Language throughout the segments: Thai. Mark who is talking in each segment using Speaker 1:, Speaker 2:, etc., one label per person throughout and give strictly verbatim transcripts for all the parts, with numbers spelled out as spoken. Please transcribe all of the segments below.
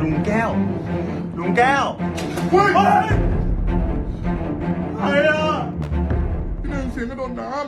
Speaker 1: ลุงแก้วลุงแก้วเฮ้ยใครอ่ะ
Speaker 2: พี่หนึ่งเสียงกระโดดน้ำ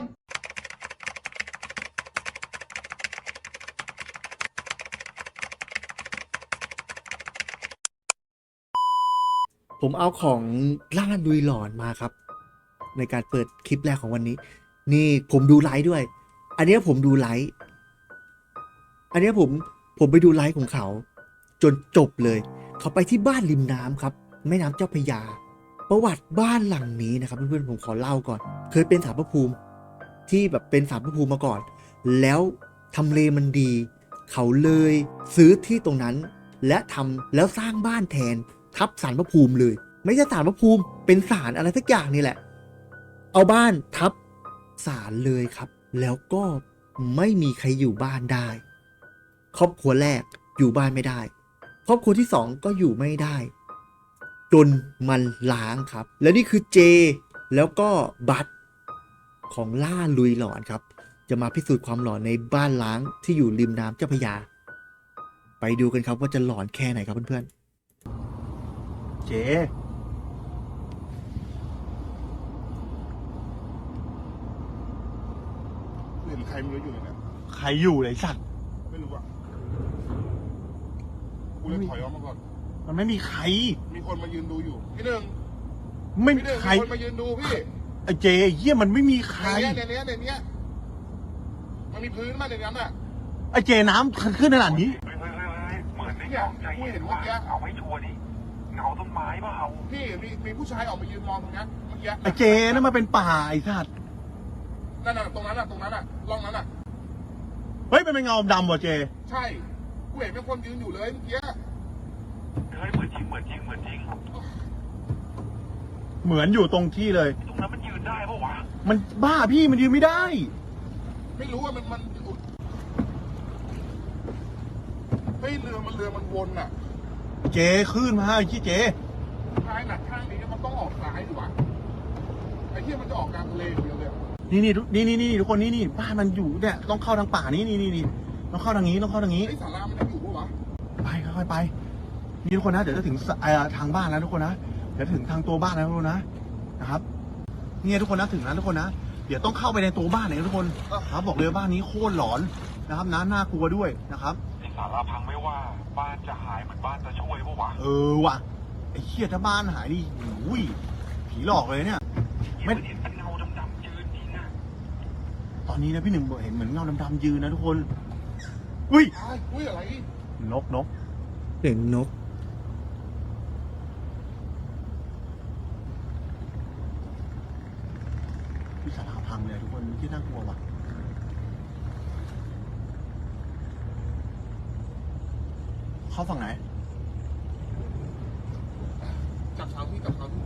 Speaker 3: ผมเอาของล่าลุยหลอนมาครับในการเปิดคลิปแรกของวันนี้นี่ผมดูไลฟ์ด้วยอันนี้ผมดูไลฟ์อันนี้ผมผมไปดูไลฟ์ของเขาจนจบเลยเขาไปที่บ้านริมน้ำครับแม่น้ำเจ้าพระยาประวัติบ้านหลังนี้นะครับเพื่อนๆผมขอเล่าก่อนเคยเป็นศาลพระภูมิที่แบบเป็นศาลพระภูมิมาก่อนแล้วทำเลมันดีเขาเลยซื้อที่ตรงนั้นและทำแล้วสร้างบ้านแทนทับศาลพระภูมิเลยไม่ใช่ศาลพระภูมิเป็นศาลอะไรสักอย่างนี่แหละเอาบ้านทับศาลเลยครับแล้วก็ไม่มีใครอยู่บ้านได้ครอบครัวแรกอยู่บ้านไม่ได้ครอบครัวที่สองก็อยู่ไม่ได้จนมันล้างครับและนี่คือเจแล้วก็บัตของล่าลุยหลอนครับจะมาพิสูจน์ความหลอนในบ้านล้างที่อยู่ริมน้ำเจ้าพระยาไปดูกันครับว่าจะหลอนแค่ไหนครับเพื่อนๆ
Speaker 1: เจ
Speaker 2: เห็นใครไม่รู้อยู่ในนั้น
Speaker 1: ใครอยู่เลยสัตว์
Speaker 2: ไม่รู้อ่ะกูเลยถอยออกมาก่อน
Speaker 1: มันไม่มีใคร
Speaker 2: มีคนมายืนดูอยู่พี่หนึ่ง
Speaker 1: ไม่มี
Speaker 2: พี่หนึ่ง
Speaker 1: ใคร
Speaker 2: มีคนมายืนดูพี่
Speaker 1: ไอ้เจเยี่ยมันไม่มีใคร
Speaker 2: ในเนี้ยในเนี้ยมันมีพื้นมาในนั้นอ่ะ
Speaker 1: ไอ้เจน้ำขึ้นขนาดนี้
Speaker 4: เฮ้ยเฮ้ยเฮ้ยเหมือนในกล้องใจเห็นว่าเอาไม่ชัวร์ดิเงาต้นไม้เปล่า
Speaker 2: พี่มีมีผู้ชายออกมายืนมองตรงนี้เมื่อกี้
Speaker 1: ไอ้เจนั่นมาเป็นป่าไอ้สัตว์
Speaker 2: นั่นน่ะตรงนั้นน่ะตรงนั้นน่ะร่องนั้นน่ะ
Speaker 1: เฮ้ยเป็นเงาดำว่ะเจ
Speaker 2: ใช่กูเห็นเป็นคนยืนอยู่เลยเมื่อกี้
Speaker 4: เฮ้ยเหมือนจริงเหมือนจริงเหมือนจริง
Speaker 1: เหมือนอยู่ตรงที่เลย
Speaker 4: ตรงนั้นมันยืนได้ปะวะ
Speaker 1: มันบ้าพี่มันยืนไม่ได้
Speaker 2: ไม่รู้ว่ามันมันเฮ้ยเรือมันเรือมันวนอ่ะ
Speaker 1: เจขึ้นมาไอ้ที่เจ
Speaker 2: ท้ายหนักข้างนี้มันต้องออกซ้ายดีกว่าไอ้ที่มันจะออกกลางทะเลเดียวเลย
Speaker 1: นี่นี่นี่นี่นี่ทุกคนนี่นี่บ้านมันอยู่เนี่ยต้องเข้าทางป่านี่นี่นี่นี่ต้องเข้าทางนี้ต้องเข้าทางนี้
Speaker 2: ไอ้ศาลามันยังอยู่ปะวะ
Speaker 1: ไปค่อยๆไปนี่ทุกคนนะเดี๋ยวจะถึงทางบ้านแล้วทุกคนนะเดี๋ยวถึงทางตัวบ้านแล้วทุกคนนะนะครับนี่ทุกคนนะถึงแล้วทุกคนนะเดี๋ยวต้องเข้าไปในตัวบ้านเลยทุกคนครับบอกเลยบ้านนี้โคตรหลอนนะครับน่าน่ากลัวด้วยนะครับ
Speaker 4: ไอ้ศาลาพังไม่ว่าบ้านจะหายเหมือนบ้านจะช่วยปะวะ
Speaker 1: เออว่ะไอ้เหี้ยถ้าบ้านหายนี่อุ้ยผีหลอกเลยเนี่ย
Speaker 4: ไม่เห็นเป็นเงาดำๆยืนจริงอะ
Speaker 1: ตอนนี้นะพี่หนึ่งเห็นเหมือนเงาดำๆยืนนะทุกคนอุ้ย
Speaker 2: อุ้ยอะไร
Speaker 1: นกนก
Speaker 3: เสียงนก
Speaker 1: พี่ศาลาพังเลยทุกคนที่น่ากลัวว่ะเข้าฝั่งไหน
Speaker 2: จับเท้าที่จับเท้าที่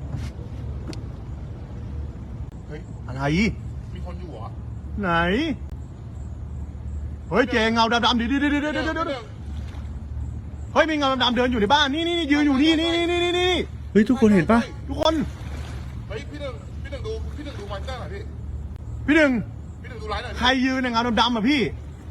Speaker 1: เฮ้ยอะไร
Speaker 2: มีคนอยู่เหรอ
Speaker 1: ไหนเฮ้ยเจเงาดำๆดิดิดิดิดิดิดิเฮ้ยมีเงาดำๆเดินอยู่ในบ้านนี่นี่ยืนอยู่นี่นี่นี่นี่นี่
Speaker 3: เฮ้ยทุกคนเห็นปะ
Speaker 1: ทุกคน
Speaker 2: เฮ้ยพี่หนึ่งพี่หนึ่งดูพี่หนึ่งดูมันได้หน่อยพี่
Speaker 1: พี่หนึ่ง
Speaker 2: พี่หนึ่งดูไลน์หน่อย
Speaker 1: ใครยืนในเงาดำๆอ่ะพี่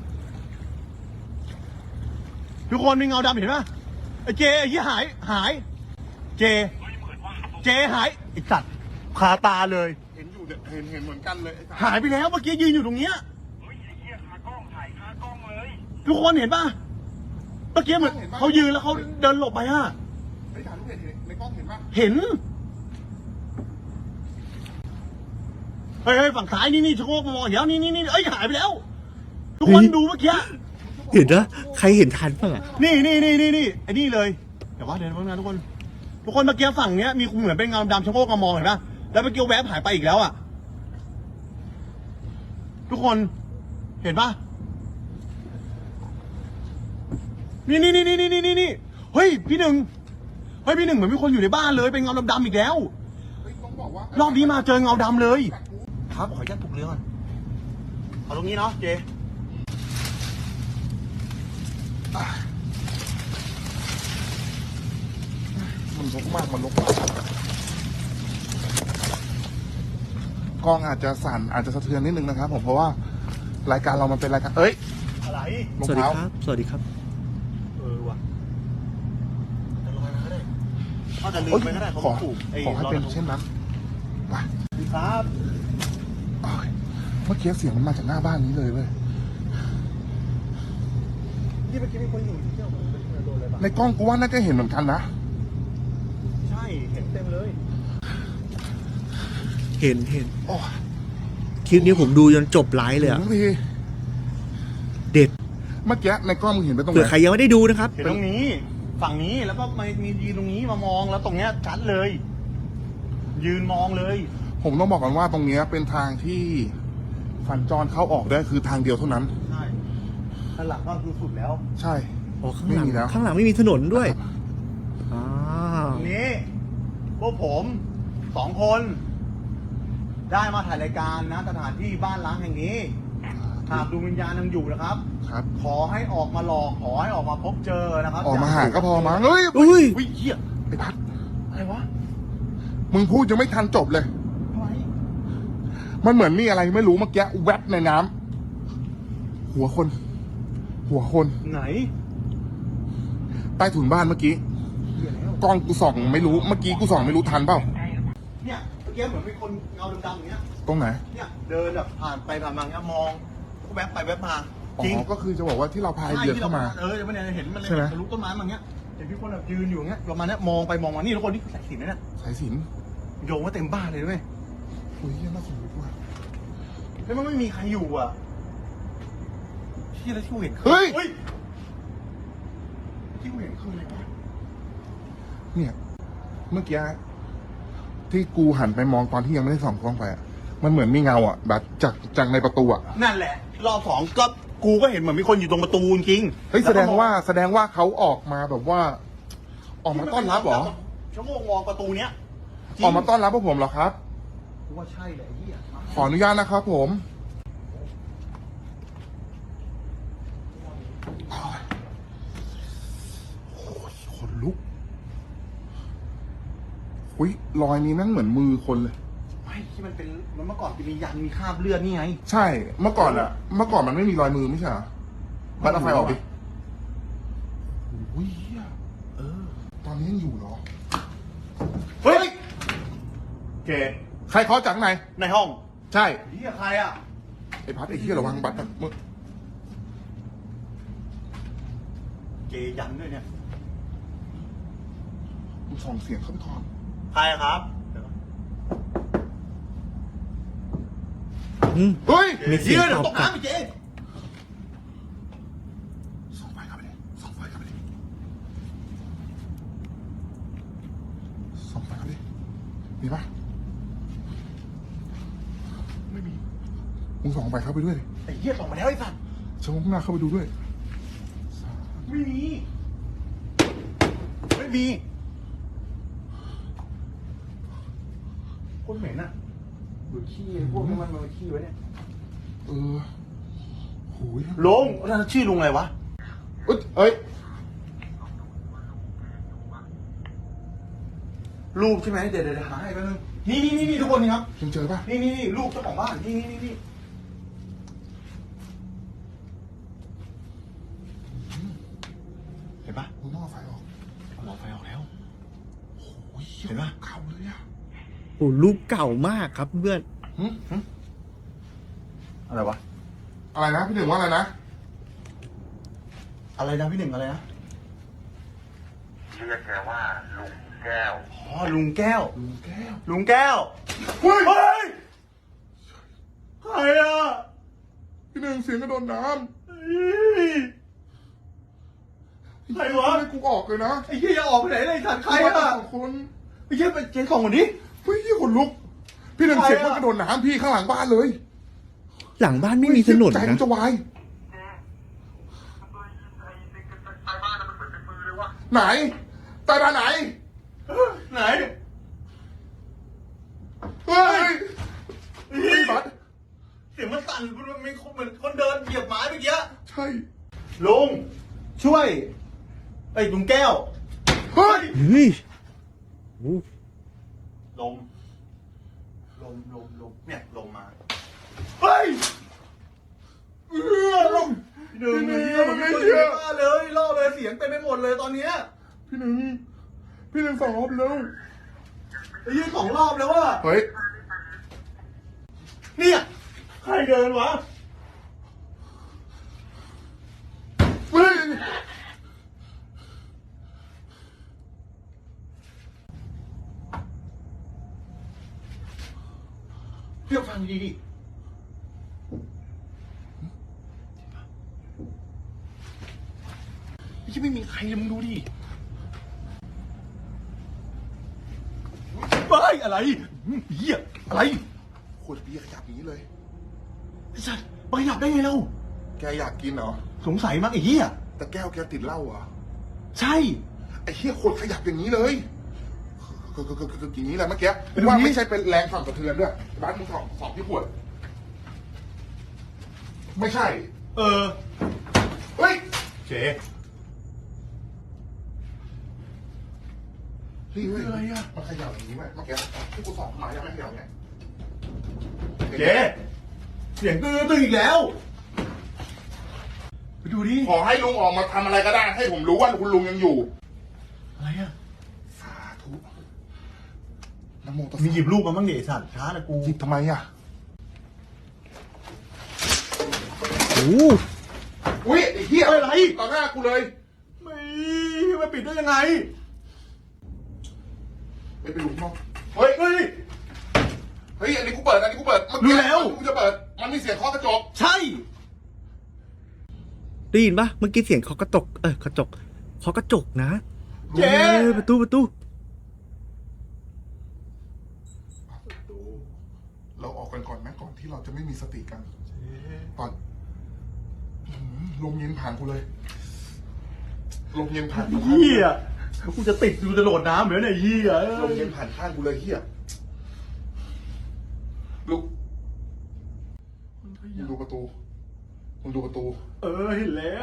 Speaker 1: ทุกคนมีเงาดำเห็นปะไอ้เจไอ้ยี่หายหายเจเจหายไอ้สัตว์คาตาเลย
Speaker 2: เห็นอยู่เห็นเห็นเหมือนกันเลย
Speaker 1: หายไปแล้วเมื่อกี้ยืนอยู่ตรงเนี้ย
Speaker 4: เฮ้ยไอ้เหี้ยคากล้องถ่ายคากล้องเลย
Speaker 1: ทุกคนเห็นปะเมื่อกี้เหมือนเขายืนแล้วเขาเดินหลบไปฮะ
Speaker 2: ไอ้ถ่ายรูปเห็นในกล้องเห็นปะ
Speaker 1: เห็นเฮ้ยฝั่งซ้ายนี่นี่ชะโงกมามองอย่างนี้นี่นี่เอ้ยหายไปแล้วทุกคนดูเมื่อกี้
Speaker 3: เห็นนะใครเห็นทันป่ะ
Speaker 1: นี่นี่นี่นี่นี่ไอ้นี่เลยแต่ว่าเดี๋ยวนะทุกคนทุกคนเมื่อกี้ฝั่งเนี้ยมีเหมือนเป็นเงาดำชะโงกมามองเห็นปะแล้วเมื่อกี้แวบหายไปอีกแล้วอ่ะทุกคนเห็นปะนี่นี่นี่นี่นี่นี่นี่เฮ้ยพี่หนึ่งเฮ้ยพี่หนึ่งเหมือนมีคนอยู่ในบ้านเลยเป็นเงาดำๆอีกแล้วรอบนี้มาเจอเงาดำเลยครับขออนุญาตปลุกเรือก่อนเอาตรงนี้เนาะเจ
Speaker 2: มันลกมากมันลกมากกล้องอาจจะสั่นอาจจะสะเทือนนิดนึงนะครับผมเพราะว่ารายการเรามันเป็นรายการเอ้ย
Speaker 1: อะไร
Speaker 3: สวัสดีครับสวัสดีครับ
Speaker 1: เออว่ะจะลืมไปก็ได้เขา
Speaker 2: ขอ
Speaker 1: ถูกไอ้
Speaker 2: ขอให้เป็น
Speaker 1: รอยกระทง
Speaker 2: เช่นนั้นไป
Speaker 1: ครับ
Speaker 2: โอ้ยเมื่อกี้เสียงมันมาจากหน้าบ้านนี้เลยเว้ย
Speaker 1: ที่เมื่อกี้มีคนอยู่ที่เที่ยวมันโดนอะไรบ้าง
Speaker 2: ในกล้องกูว่าน่าจะเห็นเหมือนกันนะ
Speaker 1: ใช่เห็นเต็มเลย
Speaker 3: เห็นเห็น
Speaker 2: โอ้ย
Speaker 3: คลิปนี้ผมดูจนจบไลฟ์เลยอะ
Speaker 2: ถึงที
Speaker 3: เด็ด
Speaker 2: เมื่อกี้ในกล้องมึงเห็นไปตรงไห
Speaker 3: เผื่อน ใครยังไม่ได้ดูนะครับ
Speaker 1: เห็นตรงนี้ ฝั่งนี้แล้วก็มามียืนตรงนี้มามองแล้วตรงเนี้ยชัดเลย ยืนมองเลย
Speaker 2: ผมต้องบอกก่อนว่าตรงเนี้ยเป็นทางที่สัญจรเข้าออกได้คือทางเดียวเท่านั้น
Speaker 1: ใช่ข้างหลังก็คือสุดแล้ว
Speaker 2: ใช่
Speaker 3: อ๋อข้างหลัง
Speaker 2: ไม่มีแล้ว
Speaker 3: ข้างหลังไม่มีถนนด้วยอ่า
Speaker 1: ตรงนี้พวกผมสองคน ได้มาถ่ายรายการนะสถานที่บ้านล้างแห่งนี้หากดวงวิญญาณยังอยู่นะครับ
Speaker 2: ครับ
Speaker 1: ขอให้ออกมาหลอกขอให้ออกมาพบเจอนะครับ
Speaker 2: ออกมาหาก็พอมั้งเฮ้ย
Speaker 3: อุ้ย
Speaker 1: อุ้ยเหี้ย
Speaker 2: ไอ้พัด
Speaker 1: อะไรวะ
Speaker 2: มึงพูดยังไม่ทันจบเลย
Speaker 1: อะไร
Speaker 2: มันเหมือนมีอะไรไม่รู้เมื่อกี้แวบในน้ำหัวคน หัวคน
Speaker 1: ไหน
Speaker 2: ใต้ถุนบ้านเมื่อกี้
Speaker 1: เหี้ยแล้ว
Speaker 2: กล้องกูส่องไม่รู้เมื่อกี้กูส่องไม่รู้ทันเปล่า
Speaker 1: เนี่ยเมื่อกี้เหมือนมีคนเงาดำๆอย่างเงี้ย
Speaker 2: ตรงไหน
Speaker 1: เนี่ยเดินแบบผ่านไปผ่านมาเงี้ยมองก็แวบไปแวบมา
Speaker 2: อ๋
Speaker 1: จริง
Speaker 2: อก็คือจะบอกว่าที่เราพาย
Speaker 1: ใช่
Speaker 2: เรือ
Speaker 1: ที่
Speaker 2: เข้ามา
Speaker 1: เออเดี๋ยวมันเนี่ยเห็นมันเลย
Speaker 2: ใช่ไหม
Speaker 1: ทะลุต้นไม้มาอย่างเงี้ยเห็นพี่คนแบบยืนอยู่อย่างเงี้ยประมาณเนี้ยมองไปมองมานี่ทุกคนที่ใส่สินนะเนี่ย
Speaker 2: สายสิญ
Speaker 1: โยงว่าเต็มบ้านเลยด้วย
Speaker 2: อุ้ยเหี้ยน่าสนใจว่ะ
Speaker 1: แล้วมันไม่มีใครอยู่อ่ะที่แล้วที่กูเห็นคือ
Speaker 2: เฮ้ย
Speaker 1: ที่กูเห็นคืออะไรวะ
Speaker 2: เนี่ย เมื่อกี้ที่กูหันไปมองตอนที่ยังไม่ได้ส่องกล้องไปอะมันเหมือนมีเงาอ่ะแบบจากจากในประตูอ่ะ
Speaker 1: นั่นแหละ รอบสองก็กูก็เห็นเหมือนมีคนอยู่ตรงประตูจริง
Speaker 2: เฮ้ยแสดงว่าแสดงว่าเขาออกมาแบบว่า ออกมาต้อนรับเหรอ
Speaker 1: ชั่วโมงมองประตูเนี้ยจริง
Speaker 2: ออกมาต้อนรับพวกผมเหรอครับ
Speaker 1: กูว่าใช่แหละไอ้เหี้ย
Speaker 2: ขออนุญาตนะครับผมโอ้ยโอ้ยขนลุกอุ้ยรอยนี้แม่งเหมือนมือคนเลย
Speaker 1: ไม่ที่มันเป็นมันเมื่อก่อนจะมียันมีคราบเลือดนี่ไง
Speaker 2: ใช่ เมื่อก่อนอะเมื่อก่อนมันไม่มีรอยมือไม่ใช่เหรอบัตรเอาไฟออกดิโอ้ยเหี้ย
Speaker 1: เออ
Speaker 2: ตอนนี้ยังอยู่เหรอ
Speaker 1: เฮ้ยเก
Speaker 2: ใครเคาะจากข้างใน
Speaker 1: ในห้อง
Speaker 2: ใช่
Speaker 1: เหี้ยใครอ่ะ
Speaker 2: ไอ้พัดไอ้เหี้ยระวังบัตรนะมึง
Speaker 1: เกยันด้วยเนี่ย
Speaker 2: มึงส่องเสียงเข้าไปก่อน
Speaker 1: ใครอะครับเดี๋ยว
Speaker 3: อืม
Speaker 2: เฮ้ย
Speaker 3: มีเสียง
Speaker 1: เหี้ยเดี๋ยว
Speaker 3: ต
Speaker 1: ต
Speaker 3: อบ
Speaker 1: ก
Speaker 3: กลับ
Speaker 1: น้ำไปเจ
Speaker 2: ส่องไฟเข้าไปดิส่องไฟเข้าไปดิส่องไฟเข้าไปดิมีปะไม่มี มึงส่องไฟเข้าไปด้วยดิ
Speaker 1: ไอ้เหี้ยส่งมาแล้วไอ้สัตว์
Speaker 2: ชะโงกหน้าเข้าไปดูด้วย
Speaker 1: ไม่มีไม่มีคนเหม็นอ่ะดูขี้พวกนี้มันมาขี้ไว้เนี่ย
Speaker 2: เออโหย
Speaker 1: ลุงนั่นชื่อลุงอะไรวะ
Speaker 2: เอ้ยเอ้ย
Speaker 1: รูปใช่ไหมเดี๋ยวเดี๋ยวหาให้แป๊บนึงนี่นี่นี่นี่ทุกคนนี่ครับ
Speaker 2: ยังเจอปะ
Speaker 1: นี่นี่นี่รูปเจ้าของบ้านนี่นี่นี่นี่เห็นปะ
Speaker 2: มึงต้องเอาไฟออก
Speaker 1: เอาหลอดไฟออกแล้ว
Speaker 2: โอ้ย
Speaker 1: เห็นปะ
Speaker 2: เข่าเลยอะ
Speaker 3: โอ้รูปเก่ามากครับเพื่อน
Speaker 2: หึหึ
Speaker 1: อะไรวะ
Speaker 2: อะไรนะพี่หนึ่งว่าอะไรนะ
Speaker 1: อะไรนะพี่หนึ่งอะไรนะ
Speaker 4: เรียกแกว่าลุงแก้ว
Speaker 1: อ๋อลุงแก้ว
Speaker 2: ลุงแก้ว
Speaker 1: ลุงแก้ว
Speaker 2: เฮ้ย
Speaker 1: เฮ้ยใครอ่ะ
Speaker 2: พี่หนึ่งเสียงกระโดดน้
Speaker 1: เฮ้ย
Speaker 2: ำ
Speaker 1: ใครวะ
Speaker 2: ให้กูออกเลยนะ
Speaker 1: ไอ้เหี้ยจะออกไปไหนเลยสัตว์ใคร
Speaker 2: กูมา
Speaker 1: อ่ะ
Speaker 2: สองคน
Speaker 1: ไอ้เหี้ยไปเจ๊ส่งคนนี้
Speaker 2: เฮ้ยขนลุก พี่หนึ่ง
Speaker 1: ใครอะ
Speaker 2: เสียงมันกระโดดน้ำพี่ข้างหลังบ้านเลย
Speaker 3: หลังบ้านไม่มีถนน
Speaker 2: ใจมั
Speaker 3: นะ
Speaker 2: นจะวาย
Speaker 4: ไอ้บ้านน่ะมันเหมือนเป็นมือเลยวะ
Speaker 2: ไหนใต้บ้านไหน
Speaker 1: ไหน
Speaker 2: เฮ้ยเฮ้ยบัส
Speaker 1: เสียงมันสั่นมันมีคนเหมือนคนเดินเหยียบไม้เมื่อกี้
Speaker 2: ใช่
Speaker 1: ลุงช่วยไอ้ลุงแก้ว
Speaker 2: เฮ้ย
Speaker 3: เฮ้ยโอ้
Speaker 1: ลมลมลมลมเนี่ยลมมาเฮ้ยเออลมหนึ่งเดียวมันไม่เชื่อเลยล่อเลยเสียงเต็มไปหมดเลยตอนเนี้ย
Speaker 2: พี่หนึ่งพี่เดินสองรอบแล้ว
Speaker 1: ไอ้ยี่สองรอบแล้วว่า
Speaker 2: เฮ้ย
Speaker 1: เนี่ยใครเดินวะ
Speaker 2: เฮ้ย
Speaker 1: เดี๋ยวฟังดีดิยังไม่มีใครเลยมึงดูดิเฮ้ยอะไรเหี้ยอะไร
Speaker 2: ขวดเบียร์ขยับอย่างนี้เลย
Speaker 1: ไอ้สัตว์ไปหลับได้ไงเรา
Speaker 2: แกอยากกินเหรอ
Speaker 1: สงสัยมั้งไอ้เหี้ย
Speaker 2: แต่แก้วแกติดเหล้าเหรอ
Speaker 1: ใช่
Speaker 2: ไอ้เหี้ยขวดขยับอย่างนี้เลยคือคือคือคืออย่างนี้แหละเมื่อกี้
Speaker 1: ไปดูดิ
Speaker 2: ว่าไม่ใช่เป็นแรงสั่นสะเทือนด้วยบ้านมึงสองสองที่ขวด ไม่ใช่
Speaker 1: เออ
Speaker 2: เฮ้ย
Speaker 1: เจ๊
Speaker 2: เฮ้ยเฮ้ย
Speaker 1: อะไรอะ
Speaker 2: มันขยับอย่างนี้ไหมเมื่อกี้ที่กูสอบมายังไม่ขยับไง
Speaker 1: เจ๊เสียงตื้อตื้ออีกแล้วไปดูดิ
Speaker 2: ขอให้ลุงออกมาทำอะไรก็ได้ ให้ผมรู้ว่าคุณลุงยังอยู่
Speaker 1: อะไรอะ
Speaker 2: สาธุนะโมตัส
Speaker 1: มี
Speaker 2: สะ
Speaker 1: หยิบลูกมาบ้างดิไอ้สัตว์ช้านะกู
Speaker 2: หยิบทำไมอ่ะ
Speaker 3: โอ้
Speaker 2: อุ้ยไอ้เหี้ย
Speaker 1: เฮ้ยอะไร
Speaker 2: ต่อหน้ากูเลย
Speaker 1: ไม่มาปิดได้ยังไง
Speaker 2: ไปไปดูข้างนอกเฮ้ย
Speaker 1: เฮ้ย
Speaker 2: เฮ้ย อันนี้กูเปิด อันนี้กูเปิดเมื่อ
Speaker 1: รู้
Speaker 2: กี้
Speaker 1: แล้ว
Speaker 2: กูจะเปิด มันมีเสียงเคาะกระจก
Speaker 1: ใช่
Speaker 3: ได้ยินปะเมื่อกี้เสียงเคาะกระจกเออกระจกเคาะกระจกนะ
Speaker 1: เจ๊
Speaker 3: เออประตูประตู
Speaker 2: เราออกกันก่อนไหมก่อนที่เราจะไม่มีสติกันตอนอื้อหือลมเย็นผ่านกูเลย ลมเย็นผ่านกูข้าง
Speaker 1: เฮียกูจะติดกูจะโดดน้ำเหมือนไอ้เฮีย
Speaker 2: ลมเย็นผ่านข้างกูเลยเฮียลุกมึงดูประตูมึงดูประตู
Speaker 1: เออเห็นแล้ว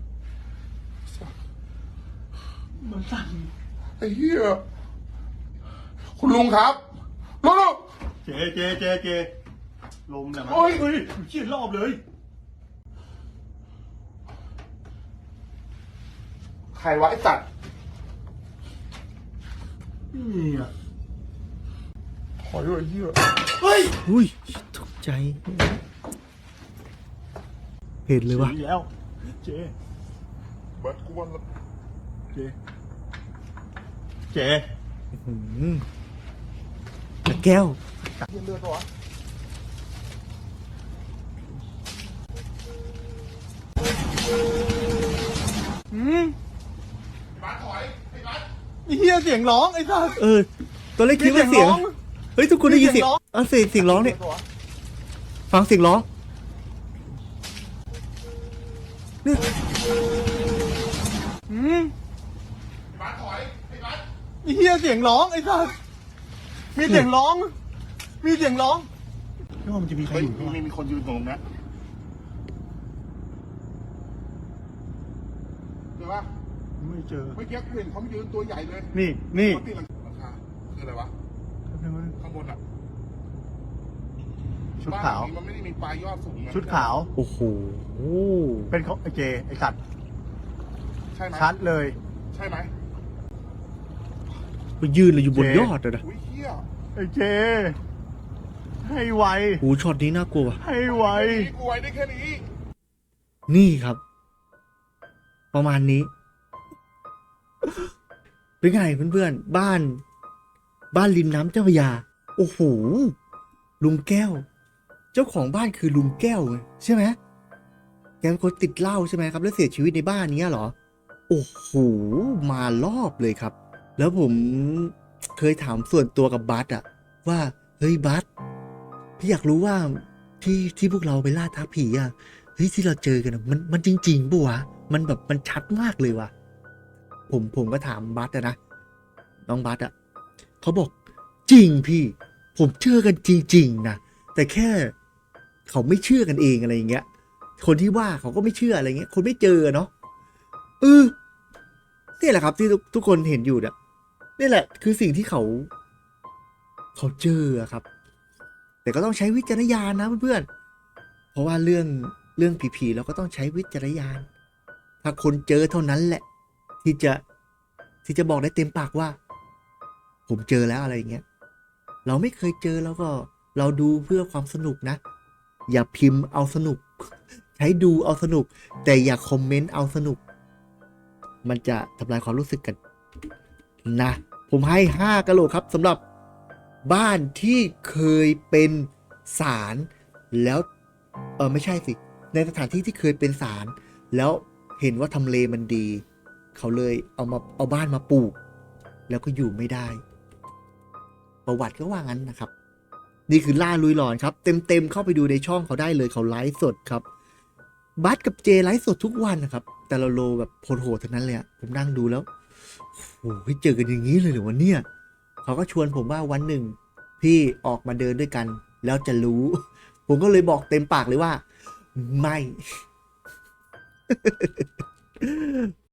Speaker 1: มันสั่น
Speaker 2: ไอ้เหี้ย คุณลุงครับลุงลุง
Speaker 1: เจเจเจเจลมแต่มัน
Speaker 2: โอ้ย
Speaker 1: เฮ้ยเชี่ยรอบเลย
Speaker 2: ใครวะไอ้จัด
Speaker 1: นี่อ่ะ
Speaker 2: ขอด้วยไอ้เหี้ย
Speaker 1: เฮ้ย
Speaker 3: อุ้ยตกใจ เห็นเลยว่ะ
Speaker 1: อีกแล้วเจ
Speaker 2: เบิร์ดกูวันละ
Speaker 1: เจเจ
Speaker 3: อืมแล้วแก้ว
Speaker 2: เหี้ยเลือดปะวะ
Speaker 1: อืม
Speaker 2: ไอ้บัสถอยไอ้บัส
Speaker 1: ไอ้เฮียเสียงร้องไอ้สัส
Speaker 3: เออตอนแรกคิดว่าเสียง
Speaker 1: มีเสียงร้อง
Speaker 3: เฮ้ยทุกคนได้ยินเสียง
Speaker 1: มีเสียงร้อง
Speaker 3: เออเสียงเสียงร้องเนี่ย
Speaker 2: ปะวะ
Speaker 3: ฟังเสียงร้องเนี่ย
Speaker 1: อืม
Speaker 2: ไอ้บัสถอยไอ้บัส
Speaker 1: ไอ้เฮียเสียงร้องไอ้สัสมีเสียงร้อง มีเสียงร้องไม่ว่ามันจะมีใคร
Speaker 2: เฮ้ย
Speaker 1: อยู่
Speaker 2: มีมีมีคนยืนตรงนั้นเดี๋ยวปะ
Speaker 1: ไม่เจอ
Speaker 2: เมื่อกี้กูเห็นเขายืนตัวใหญ่เลย
Speaker 1: นี่ นี่
Speaker 2: เขาตีหลังคาคืออะไรวะ ข้างบนอ่ะ
Speaker 1: ชุดขาว
Speaker 2: บ้นหลังนี้มันไม่ได้มีปลายยอดสูงนะ
Speaker 1: ชุดขาว
Speaker 3: โอ้โห
Speaker 1: เป็นเขาไอ้เจ ไอ้สัตว์
Speaker 2: ใช่ไหม
Speaker 1: ชัดเลย
Speaker 2: ใช่ไหม
Speaker 3: ไปยืนเลยอยู่บน
Speaker 1: เจ๊
Speaker 3: ยอดเลยนะ
Speaker 2: อุ้ยเฮีย
Speaker 1: ไอ้เจ ให้ไว
Speaker 3: โอ้ช็อตนี้น่ากลัวว่ะ
Speaker 1: ให้ไว
Speaker 2: นี่กูไว้ได้แค่นี้
Speaker 3: นี่ครับ ประมาณนี้ เป็นไงเพื่อนๆ บ้าน บ้านริมน้ำเจ้าพระยา โอ้โห ลุงแก้ว เจ้าของบ้านคือลุงแก้วไงใช่ไหมแกเป็นคนติดเหล้าใช่ไหมครับ แล้วเสียชีวิตในบ้านเนี้ยเหรอ โอ้โห มารอบเลยครับ แล้วผมเคยถามส่วนตัวกับบัสอะว่า เฮ้ยบัสพี่อยากรู้ว่าที่ที่พวกเราไปล่าท้าผีอะเฮ้ยที่เราเจอกันอะมันมันจริงๆปะวะ มันแบบมันชัดมากเลยวะผมผมก็ถามบัสอะนะน้องบัสอะเขาบอกจริงพี่ ผมเชื่อกันจริงๆนะแต่แค่เขาไม่เชื่อกันเองอะไรอย่างเงี้ย คนที่ว่าเขาก็ไม่เชื่ออะไรเงี้ย คนไม่เจอเนาะเออนี่แหละครับที่ทุกทุกคนเห็นอยู่เนี่ยนี่แหละ คือสิ่งที่เขา เขาเจออะครับ แต่ก็ต้องใช้วิจารณญาณนะเพื่อนๆเพราะว่าเรื่องเรื่องผีๆเราก็ต้องใช้วิจารณญาณถ้าคนเจอเท่านั้นแหละ ที่จะที่จะบอกได้เต็มปากว่าผมเจอแล้วอะไรอย่างเงี้ยเราไม่เคยเจอแล้วก็เราดูเพื่อความสนุกนะ อย่าพิมพ์เอาสนุก ใช้ดูเอาสนุก แต่อย่าคอมเมนต์เอาสนุก มันจะทำลายความรู้สึกกันนะ ผมให้ห้ากะโหลกครับสำหรับบ้านที่เคยเป็นศาลแล้วเออไม่ใช่สิในสถานที่ที่เคยเป็นศาลแล้วเห็นว่าทำเลมันดี เขาเลยเอามาเอาบ้านมาปลูก แล้วก็อยู่ไม่ได้ ประวัติก็ว่างั้นนะครับ นี่คือล่าลุยหลอนครับ เต็มๆเข้าไปดูในช่องเขาได้เลยเขาไลฟ์สดครับบัสกับเจไลฟ์สดทุกวันนะครับ แต่เราโลแบบโหดๆทั้งนั้นเลยอะผมนั่งดูแล้วโอ้โหเจอกันอย่างนี้เลยเหรอวะเนี่ยเขาก็ชวนผมว่าวันหนึ่ง พี่ออกมาเดินด้วยกัน แล้วจะรู้ ผมก็เลยบอกเต็มปากเลยว่า ไม่